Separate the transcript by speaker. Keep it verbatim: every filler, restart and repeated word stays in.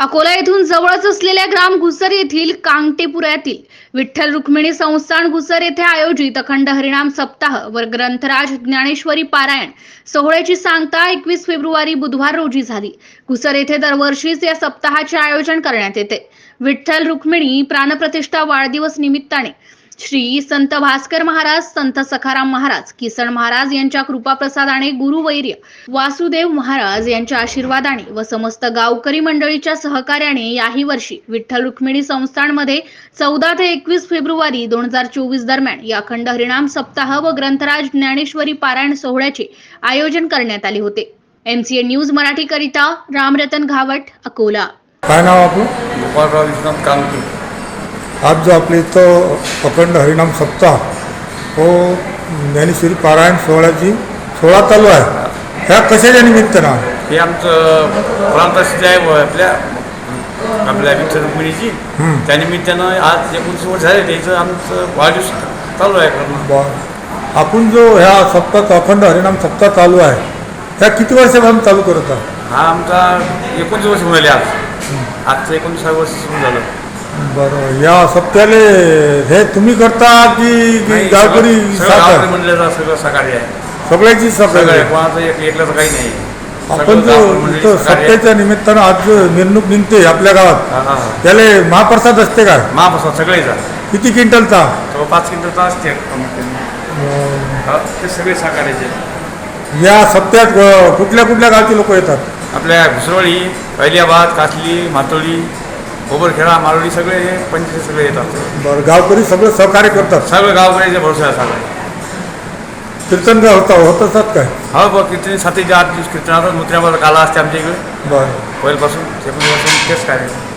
Speaker 1: अकोला येथून जवळच असलेल्या ग्राम घुसर येथील कांगटेपुऱ्यातील विठ्ठल रुक्मिणी संस्थान घुसर येथे आयोजित अखंड हरिनाम सप्ताह व ग्रंथराज ज्ञानेश्वरी पारायण सोहळ्याची सांगता एकवीस फेब्रुवारी बुधवार रोजी झाली। घुसर येथे दरवर्षीच या सप्ताहाचे आयोजन करण्यात येते। विठ्ठल रुक्मिणी प्राणप्रतिष्ठा वाढदिवस निमित्ताने श्री संत भास्कर महाराज, संत सखाराम महाराज, किसन महाराज यांच्या कृपाप्रसादाने, गुरुवैर्य वासुदेव महाराज यांच्या आशीर्वादाने व समस्त गावकरी मंडळीच्या सहकार्याने याही वर्षी विठ्ठल रुक्मिणी संस्थानमध्ये चौदा ते एकवीस फेब्रुवारी दोन हजार चोवीस दरम्यान या अखंड हरिनाम सप्ताह व ग्रंथराज ज्ञानेश्वरी पारायण सोहळ्याचे आयोजन करण्यात आले होते। एमसीए न्यूज मराठी करिता रामरतन घावट, अकोला।
Speaker 2: काय नाव आपलं?
Speaker 3: गोपाळराव विश्वनाथ कामते।
Speaker 2: आज जो आपल्या इथं अखंड हरिनाम सप्ताह हो ज्ञानेश्वरी पारायण सोहळ्याची सोहळा चालू आहे, ह्या कशाच्या निमित्तानं?
Speaker 3: हे आमचं प्राणप्रतिष्ठा आहे व आपल्या आपल्या विठ्ठल रुक्मिणीची, त्या निमित्तानं आज एकोणीस वर्ष झाले त्याचं आमचं वाढदिवस चालू आहे करणं।
Speaker 2: बरं, आपण जो ह्या सप्ताह अखंड हरिनाम सप्ताह चालू आहे ह्या किती वर्षापासून चालू करत आहात?
Speaker 3: हा आमचा एकोणीस वर्ष मिळाले आज आजचं एकोणीसावं वर्ष सुरू झालं।
Speaker 2: बरं, या सप्त्याले हे तुम्ही करता की गावकरी
Speaker 3: गावकरी मंडळाचं सगळं सहकार्य आहे,
Speaker 2: सगळ्याची सहकार्य?
Speaker 3: कोणाचं एक एकल्याचं काही नाही।
Speaker 2: आपण जो इथं सप्त्याच्या निमित्तानं आज जो मिरवणूक निघते आपल्या गावात त्याला महाप्रसाद असते काय?
Speaker 3: महाप्रसाद सगळेचा
Speaker 2: किती क्विंटलचा?
Speaker 3: तो पाच क्विंटलचा असते, ते सगळे सहकार्याचे।
Speaker 2: या सप्त्यात कुठल्या कुठल्या गावचे लोक येतात?
Speaker 3: आपल्या घुसरवाडी, पहिल्याबाद, कासली, मातोळी, गोबरखेडा, मारोळी सगळे हे पंचायत सगळे येतात।
Speaker 2: बरं, गावकरी सगळं सहकार्य करतात?
Speaker 3: सगळं गावकऱ्याच्या भरोसा आहे सगळं।
Speaker 2: कीर्तन काय होता होत असतात काय?
Speaker 3: हो बघ, कीर्तन सातच्या आठ दिवस कीर्तनाचा मुद्रावर काला असते आमच्या इकडे
Speaker 2: बरं,
Speaker 3: पहिल्यापासून ते पण तेच काय